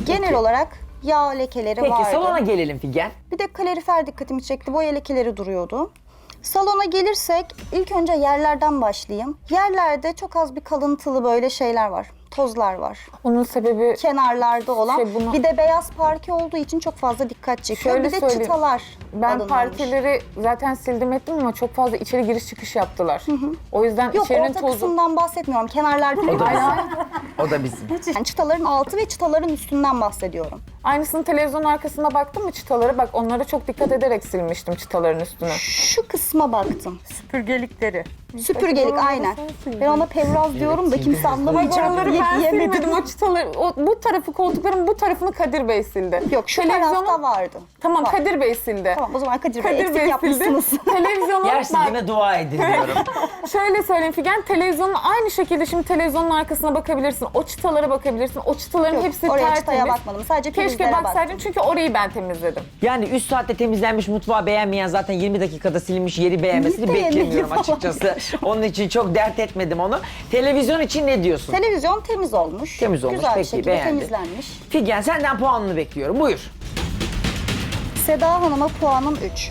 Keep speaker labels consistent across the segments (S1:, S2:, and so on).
S1: Genel olarak yağ lekeleri
S2: Peki
S1: vardı.
S2: salona gelelim Figen.
S1: Bir de kalorifer dikkatimi çekti. Boya lekeleri duruyordu. Salona gelirsek ilk önce yerlerden başlayayım. Yerlerde çok az bir kalıntılı böyle şeyler var. Tozlar var.
S3: Onun sebebi
S1: Kenarlarda olan.
S3: Bunu-
S1: Bir de beyaz parke olduğu için çok fazla dikkat çekiyor.
S3: Şöyle
S1: Bir de
S3: söyleyeyim.
S1: çıtalar
S3: ben
S1: alınmamış.
S3: parkeleri zaten sildim ettim ama çok fazla içeri giriş çıkış yaptılar. O yüzden
S1: Yok,
S3: içerinin
S1: orta
S3: tozu...
S1: kısımdan bahsetmiyorum. Kenarlarda
S2: O da bizim.
S1: yani çıtaların altı ve çıtaların üstünden bahsediyorum.
S3: Aynısını televizyonun arkasına baktım mı çıtaları? Bak onlara çok dikkat ederek silmiştim çıtaların üstüne.
S1: Şu kısma baktım.
S4: Süpürgelikleri.
S1: Süpürgelik aynen. Ben ona Pevraz diyorum da kimse anlamayacak.
S3: Oraları ben
S1: Yemedim.
S3: silmedim o çıtaları. Bu tarafı koltukların bu tarafını Kadir Bey sildi.
S1: Yok, şu
S3: Televizyonun-
S1: tarafta vardı.
S3: Tamam
S1: Var.
S3: Kadir Bey sildi.
S1: Tamam, o zaman Kadir Bey
S3: Kadir
S1: eksik
S3: Bey sildi.
S1: yapmışsınız.
S3: Televizyonun
S2: Yer
S3: bak,
S2: sildiğime dua edin diyorum.
S3: şöyle söyleyeyim Figen, televizyonun aynı şekilde şimdi televizyonun arkasına bakabilirsin. O çıtalara bakabilirsin. O çıtaların
S1: Yok,
S3: hepsi
S1: oraya
S3: tertemiz.
S1: çıtaya bakmadım. Sadece
S3: Keşke
S1: prizlere
S3: baksaydın
S1: baktım.
S3: çünkü orayı ben temizledim.
S2: Yani 3 saatte temizlenmiş mutfağı beğenmeyen zaten 20 dakikada silinmiş yeri beğenmesini
S1: Beğenmedi
S2: beklemiyorum
S1: falan.
S2: açıkçası. Onun için çok dert etmedim onu. Televizyon için ne diyorsun?
S1: Televizyon temiz olmuş.
S2: Temiz olmuş,
S1: Güzel bir
S2: peki,
S1: şekilde
S2: beğendin.
S1: temizlenmiş.
S2: Figen senden puanını bekliyorum. Buyur.
S1: Seda Hanım'a puanım 3.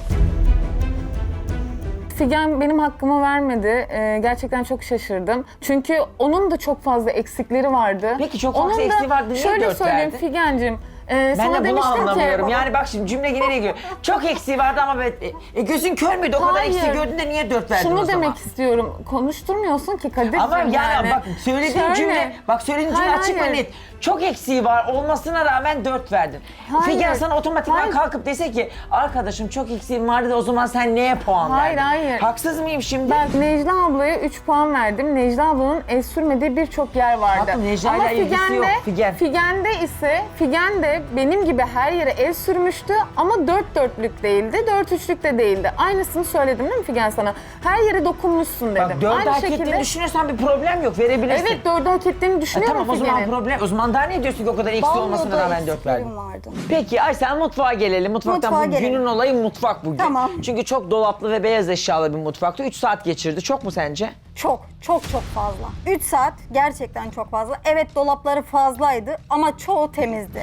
S3: Figen benim hakkımı vermedi. Gerçekten çok şaşırdım. Çünkü onun da çok fazla eksikleri vardı.
S2: Peki, çok fazla
S3: Onun da-
S2: eksiği vardı, niye
S3: Şöyle
S2: dört
S3: söyleyeyim
S2: verdin?
S3: Figen'cim.
S2: Ben
S3: Sana
S2: de bunu
S3: demiştim
S2: anlamıyorum.
S3: ki...
S2: Yani bak şimdi cümle yine ne geliyor? Çok eksiği vardı ama gözün kör müydü? O kadar
S3: Hayır.
S2: eksiği gördün de niye 4 verdin o
S3: Şunu
S2: zaman?
S3: demek istiyorum. Konuşturmuyorsun ki Kadir'cim
S2: Ama yani bak söylediğin
S3: Şöyle.
S2: cümle, bak söylediğin cümle
S3: Hayır,
S2: açık ve
S3: hayır.
S2: net. Çok eksiği var olmasına rağmen 4 verdin.
S3: Hayır.
S2: Figen sana otomatikman
S3: Hayır.
S2: kalkıp dese ki arkadaşım çok eksiğim vardı da o zaman sen neye puan
S3: Hayır,
S2: verdin?
S3: hayır.
S2: Haksız mıyım şimdi?
S3: Ben Necla ablaya 3 puan verdim. Necla ablanın el sürmediği birçok yer vardı.
S2: Hatta Necla'yla
S3: Ama
S2: ilgisi yok, Figen.
S3: Figen'de ise Figen de benim gibi her yere el sürmüştü ama 4 dörtlük değildi, 4 üçlük de değildi. Aynısını söyledim değil mi Figen sana? Her yere dokunmuşsun dedim.
S2: Bak 4'ü
S3: Aynı
S2: hak
S3: şekilde.
S2: ettiğini düşünüyorsan bir problem yok, verebilirsin.
S3: Evet 4'ü hak ettiğini düşünüyorum
S2: Tamam o zaman
S3: Figen'in.
S2: problem. O zaman daha ne diyorsun ki o kadar eksiği olmasına
S1: Banyoda
S2: rağmen 4 verdin?
S1: eksiklerim vardı.
S2: Peki Aysel mutfağa gelelim. Mutfaktan
S1: Mutfağa
S2: bu
S1: gelelim.
S2: günün olayı mutfak bugün.
S1: Tamam.
S2: Çünkü çok dolaplı ve beyaz eşyalı bir mutfaktı. 3 saat geçirdi. Çok mu sence?
S4: Çok fazla. 3 saat gerçekten çok fazla. Evet, dolapları fazlaydı ama çoğu temizdi.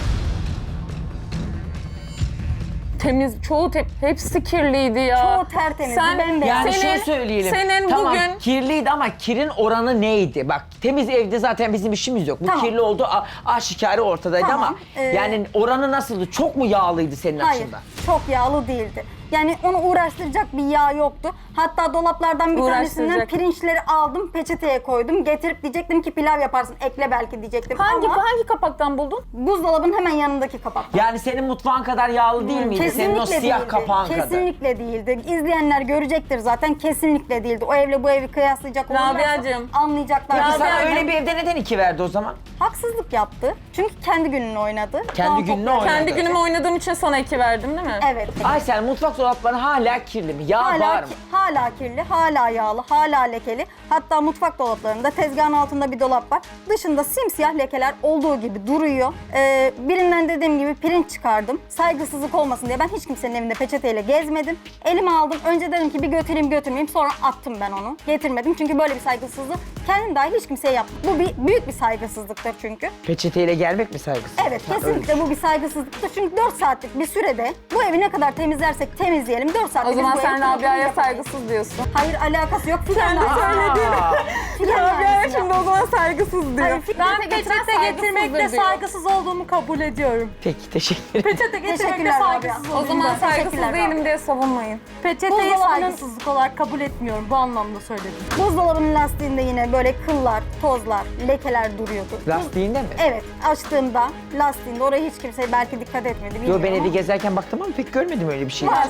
S3: Temiz, hepsi kirliydi ya.
S4: Çoğu tertemizdi, bembeyaz.
S2: Yani
S3: senin,
S2: şöyle söyleyelim.
S3: Senin
S2: tamam,
S3: bugün
S2: kirliydi ama kirin oranı neydi? Bak temiz evde zaten bizim işimiz yok. Bu
S4: Tamam.
S2: kirli oldu aşikare ortadaydı
S4: Tamam,
S2: ama yani oranı nasıldı? Çok mu yağlıydı senin
S4: Hayır,
S2: açından?
S4: çok yağlı değildi. Yani onu uğraştıracak bir yağ yoktu. Hatta dolaplardan bir tanesinden
S3: Uğraştıracak.
S4: pirinçleri aldım, peçeteye koydum. Getirip diyecektim ki pilav yaparsın, ekle belki diyecektim. Ama
S3: hangi kapaktan buldun?
S4: buzdolabının hemen yanındaki kapak.
S2: Yani senin mutfağın kadar yağlı değil miydi? Senin o siyah
S4: değildi.
S2: kapağın kadar.
S4: Kesinlikle değildi. İzleyenler görecektir zaten, kesinlikle değildi. O evle bu evi kıyaslayacak olurlarsa
S3: Rabia'cığım.
S4: anlayacaklar.
S2: Peki sana
S3: Rabia'cığım.
S2: öyle bir evde neden 2 verdi o zaman?
S4: Haksızlık yaptı. Çünkü kendi gününü oynadı.
S2: Kendi
S4: Daha
S2: gününü
S4: toplam-
S2: oynadı.
S3: Kendi günümü oynadığım için sana 2 verdim değil mi?
S4: Evet.
S2: Aysel mutfak dolapları hala kirli mi? Yağ var mı?
S4: Hala kirli, hala yağlı, hala lekeli. Hatta mutfak dolaplarında tezgahın altında bir dolap var. Dışında simsiyah lekeler olduğu gibi duruyor. Birinden dediğim gibi pirinç çıkardım. Saygısızlık olmasın diye ben hiç kimsenin evinde peçeteyle gezmedim. Elime aldım. Önce dedim ki bir götüreyim götürmeyeyim. Sonra attım ben onu. Getirmedim çünkü böyle bir saygısızlık kendim dahil hiç kimseye yapmadım. Bu büyük bir saygısızlıktır çünkü.
S2: Peçeteyle gelmek mi saygısız?
S4: Evet, kesinlikle bu bir saygısızlıktır. Çünkü 4 saatlik bir sürede bu evi ne kadar temizlersek temizleyelim. 4 saatte
S3: O zaman
S4: biz bu evi
S3: sen Rabia'ya
S4: yapamayız.
S3: saygısız diyorsun.
S4: Hayır, alakası yok. Figen
S3: de söyledin. Rabia'ya şimdi o zaman saygısız diyor.
S4: Ben peçete getirmekte saygısız olduğumu kabul ediyorum.
S2: Peki teşekkür ederim.
S4: Peçete getirmekte Teşekkürler saygısız
S3: O
S4: olduğumu
S3: zaman saygısız
S4: Teşekkürler
S3: değilim diye savunmayın.
S4: Peçeteyi saygısızlık olarak kabul etmiyorum. Bu anlamda söyledim. Buzdolabının lastiğinde yine böyle kıllar, tozlar, lekeler duruyordu.
S2: Lastiğinde mi?
S4: Evet, açtığımda lastiğinde oraya hiç kimse belki dikkat etmedi.
S2: Yo
S4: bilmiyorum
S2: ben
S4: ama
S2: evi gezerken baktım ama pek görmedim öyle bir şey.
S4: vardı.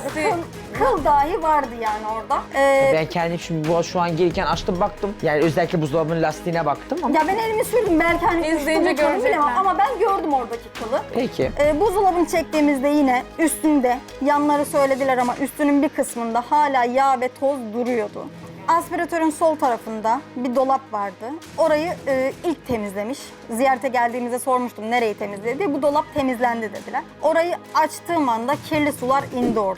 S4: Kıl dahi vardı yani orada.
S2: Ben kendim şimdi şu an gelirken açtım baktım. Yani özellikle buzdolabının lastiğine baktım ama.
S4: Ya ben elimi sürdüm belki hani
S3: İzleyince
S4: üstüne kalın bilemem
S3: görecekler.
S4: ama ben gördüm oradaki kılı.
S2: Peki.
S4: Buzdolabını çektiğimizde yine üstünde, yanları söylediler ama üstünün bir kısmında hala yağ ve toz duruyordu. Aspiratörün sol tarafında bir dolap vardı. Orayı ilk temizlemiş. Ziyarete geldiğimizde sormuştum nereyi temizledi diye. Bu dolap temizlendi dediler. Orayı açtığım anda kirli sular indi oradan.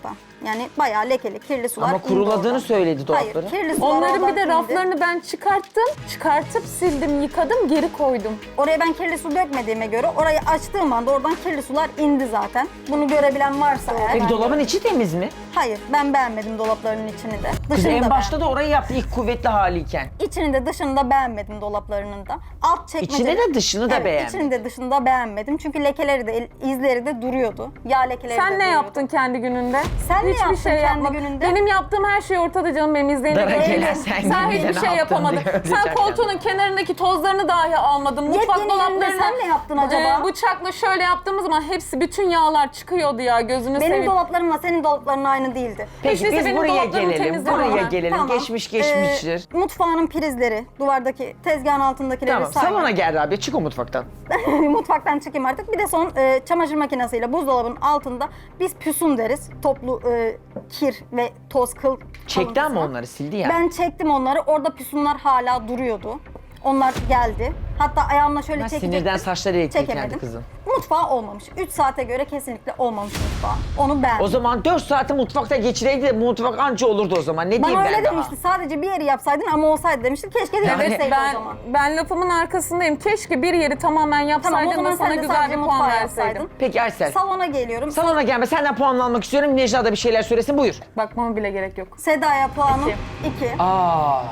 S4: Yani bayağı lekeli, kirli sular
S2: Ama
S4: indi
S2: kuruladığını
S4: oradan.
S2: söyledi dolapları.
S4: Hayır, kirli sular
S3: Onların
S4: oradan
S3: bir de
S4: indi.
S3: raflarını ben çıkarttım. Çıkartıp sildim, yıkadım, geri koydum.
S4: Oraya ben kirli su dökmediğime göre orayı açtığım anda oradan kirli sular indi zaten. Bunu görebilen varsa eğer.
S2: Peki dolabın içi temiz mi?
S4: Hayır, ben beğenmedim dolaplarının içini de.
S2: Kız
S4: Dışını
S2: en
S4: da
S2: başta da orayı yaptı ilk kuvvetli haliyken.
S4: İçini de dışını da beğenmedim dolaplarının da. Alt çekmece.
S2: İçini de dışını da beğenmedin.
S4: İçini de dışını da beğenmedim. Çünkü lekeleri de izleri de duruyordu. Yağ lekeleri de
S3: Sen ne
S4: duruyordu.
S3: yaptın kendi gününde?
S4: Sen ne
S3: Hiçbir
S4: yaptın
S3: şey
S4: kendi
S3: yapmadın.
S4: gününde?
S3: Benim yaptığım her şey ortada canım, benim izleyene
S2: Dara
S3: göre.
S2: gelen sen gibi de
S3: hiçbir
S2: ne
S3: şey
S2: yaptın
S3: yapamadın.
S2: diyor,
S3: Sen
S2: diyecekler.
S3: koltuğunun kenarındaki tozlarını dahi almadın. Mutfak
S4: Yepyeni yerinde
S3: dolaplarını
S4: sen ne yaptın acaba?
S3: Bıçakla şöyle yaptığımız zaman hepsi, bütün yağlar çıkıyordu ya, gözünü
S4: Benim
S3: seveyim.
S4: dolaplarımla senin dolapların aynı değildi.
S2: Peki
S3: Hiç değilse
S2: biz
S3: benim
S2: buraya
S3: dolaplarımı
S2: gelelim.
S3: temizle
S2: Buraya
S3: bana.
S2: gelelim.
S4: Tamam.
S2: Geçmiştir.
S4: Mutfağının prizleri, duvardaki tezgahın altındakileri
S2: Tamam.
S4: sayma.
S2: Salona gel Rabia. Çık o mutfaktan.
S4: Mutfaktan çıkayım artık. Bir de son çamaşır makinesiyle buzdolabının altında biz püsun deriz. Toplu kir ve toz kıl
S2: Çekti
S4: kalıntısına.
S2: ama onları sildi ya.
S4: Ben çektim onları. Orada püsunlar hala duruyordu. Onlar geldi. Hatta ayağımla şöyle
S2: Ha,
S4: çekecektim.
S2: sinirden saçları elektriklendi
S4: Çekemedim.
S2: kızın.
S4: Mutfağı olmamış. 3 saate göre kesinlikle olmamış mutfağı. Onu beğendim.
S2: O zaman 4 saati mutfakta geçireydi de bu mutfak anca olurdu o zaman. Ne diyeyim
S4: Bana
S2: ben
S4: öyle
S2: daha?
S4: demişti. Sadece bir yeri yapsaydın ama olsaydı demişti. Keşke de
S2: Yani
S4: deneseydi o zaman.
S3: Ben lafımın arkasındayım. Keşke bir yeri tamamen
S4: Tamam, o
S3: yapsaydın
S4: zaman
S3: da sana
S4: sen de
S3: güzel
S4: sadece
S3: bir puan
S4: mutfağı
S3: verseydim.
S4: yapsaydın.
S2: Peki Aysel.
S4: Salona geliyorum.
S2: Salona gelme. Senden puan almak istiyorum. Necla da bir şeyler söylesin. Buyur.
S3: Bakmama bile gerek yok.
S4: Seda'ya puanım 2.
S2: Aa.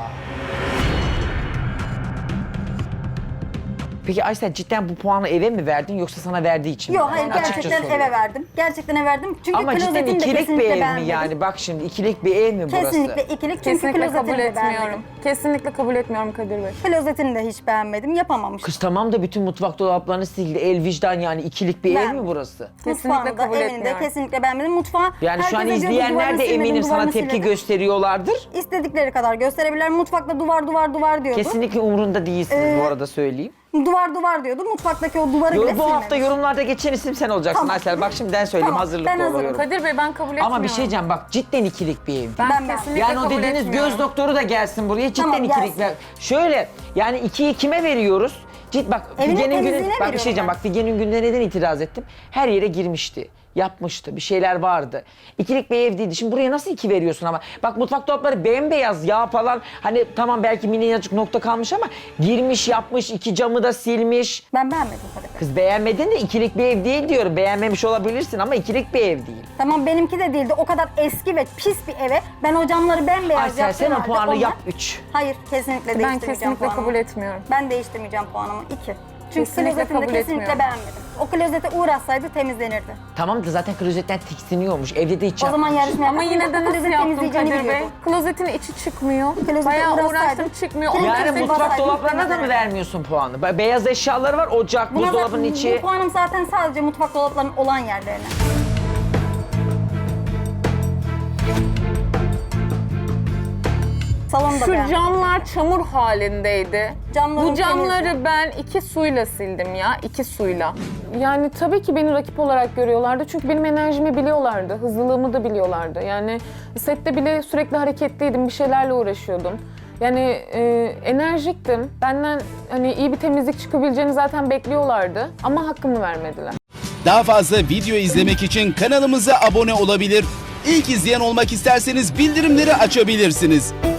S2: Peki Aysel cidden bu puanı eve mi verdin yoksa sana verdiği için mi?
S4: Yok hayır,
S2: Yani açıkça
S4: gerçekten
S2: soruyorum.
S4: eve verdim. Gerçekten eve verdim. Çünkü
S2: Ama cidden
S4: klozetini de
S2: ikilik bir
S4: kesinlikle
S2: ev mi
S4: beğenmedim.
S2: yani? Bak şimdi ikilik bir ev mi burası?
S4: Kesinlikle ikilik çünkü
S3: Kesinlikle
S4: klozetini
S3: kabul
S4: de
S3: etmiyorum.
S4: beğenmedim.
S3: Kesinlikle kabul etmiyorum Kadir Bey.
S4: Klozetini de hiç beğenmedim. Yapamamış.
S2: Kız tamam da bütün mutfak dolaplarını sildi. El vicdan yani ikilik bir ev
S4: Ben-
S2: mi burası?
S3: Kesinlikle
S4: Mutfağını da
S3: kabul
S4: evini de
S3: etmiyorum.
S4: kesinlikle beğenmedim. Mutfağı
S2: Yani şu an
S4: herkes diyordu,
S2: izleyenler
S4: duvarını
S2: de
S4: silmedim,
S2: eminim sana
S4: duvarını
S2: tepki
S4: silmedim.
S2: gösteriyorlardır.
S4: İstedikleri kadar gösterebilirler. Mutfakta duvar diyordu.
S2: Kesinlikle umurunda değilsiniz bu arada söyleyeyim.
S4: Duvar diyordu. Mutfaktaki o duvarı bile
S2: Bu hafta
S4: silmemiş.
S2: yorumlarda geçen isim sen olacaksın
S4: Tamam.
S2: Aysel. Bak şimdiden söyleyeyim
S4: Tamam,
S2: hazırlıklı
S4: ben hazırım.
S2: oluyorum.
S3: Kadir Bey, ben kabul etmiyorum.
S2: Ama bir şey diyeceğim bak cidden ikilik bir ev.
S3: Ben
S4: Ben-
S3: kesinlikle
S2: Yani o
S3: kabul
S2: dediğiniz
S3: etmiyorum.
S2: göz doktoru da gelsin buraya. Cidden
S4: Tamam,
S2: ikilik.
S4: gelsin.
S2: Şöyle yani 2'yi kime veriyoruz? Bak
S4: Evinin
S2: Figen'in günü,
S4: temizliğine
S2: bak bir şey diyeceğim.
S4: veriyorum
S2: Bak Figen'in gününe neden itiraz ettim? Her yere girmişti. Yapmıştı. Bir şeyler vardı. İkilik bir ev değildi. Şimdi buraya nasıl 2 veriyorsun ama? Bak mutfak dolapları bembeyaz yağ falan. Hani tamam belki minicik nokta kalmış ama girmiş yapmış. 2 camı da silmiş.
S4: Ben beğenmedim Kadir Bey.
S2: Kız beğenmedin de ikilik bir ev değil diyorum. Beğenmemiş olabilirsin ama ikilik bir ev değil.
S4: Tamam, benimki de değildi. O kadar eski ve pis bir eve ben o camları bembeyaz
S2: Aysel
S4: yaptım.
S2: sen o
S4: halde
S2: puanı
S4: onlar-
S2: yap 3.
S4: Hayır, kesinlikle
S3: Ben
S4: değiştirmeyeceğim
S3: kesinlikle
S4: puanımı.
S3: kabul etmiyorum.
S4: Ben değiştirmeyeceğim puanımı. 2. Çünkü
S3: Kesinlikle
S4: klozetini de
S3: kabul
S4: kesinlikle
S3: etmiyorum.
S4: beğenmedim. O klozete uğraşsaydı temizlenirdi.
S2: Tamam da zaten klozetten tiksiniyormuş. Evde de hiç
S4: O zaman
S2: yapmamış.
S4: yarışma
S3: Ama
S4: yapmasın.
S3: yine de
S4: O
S3: nasıl
S4: klozet
S3: yaptın
S4: temizleyeceğini
S3: Kadir Bey?
S4: biliyordu.
S3: Klozetin içi çıkmıyor.
S4: Klozete
S3: Bayağı
S4: uğraşsaydın.
S3: uğraştım, çıkmıyor.
S4: Yani
S2: Yani
S4: Temizlik
S2: mutfak
S4: bassaydın
S2: dolaplarına da mı
S4: temizlenirdi.
S2: vermiyorsun puanı? Beyaz eşyaları var, ocak,
S4: Buna
S2: buzdolabının
S4: zaten-
S2: içi.
S4: Bu puanım zaten sadece mutfak dolaplarının olan yerlerine. Salonu da
S3: Şu
S4: beğenmedim.
S3: camlar çamur halindeydi.
S4: Camların
S3: Bu camları
S4: temizdi.
S3: ben 2 suyla sildim ya, 2 suyla. Yani tabii ki beni rakip olarak görüyorlardı çünkü benim enerjimi biliyorlardı, hızlılığımı da biliyorlardı. Yani sette bile sürekli hareketliydim, bir şeylerle uğraşıyordum. Yani enerjiktim. Benden hani iyi bir temizlik çıkabileceğini zaten bekliyorlardı ama hakkımı vermediler.
S5: Daha fazla video izlemek için kanalımıza abone olabilir. İlk izleyen olmak isterseniz bildirimleri açabilirsiniz.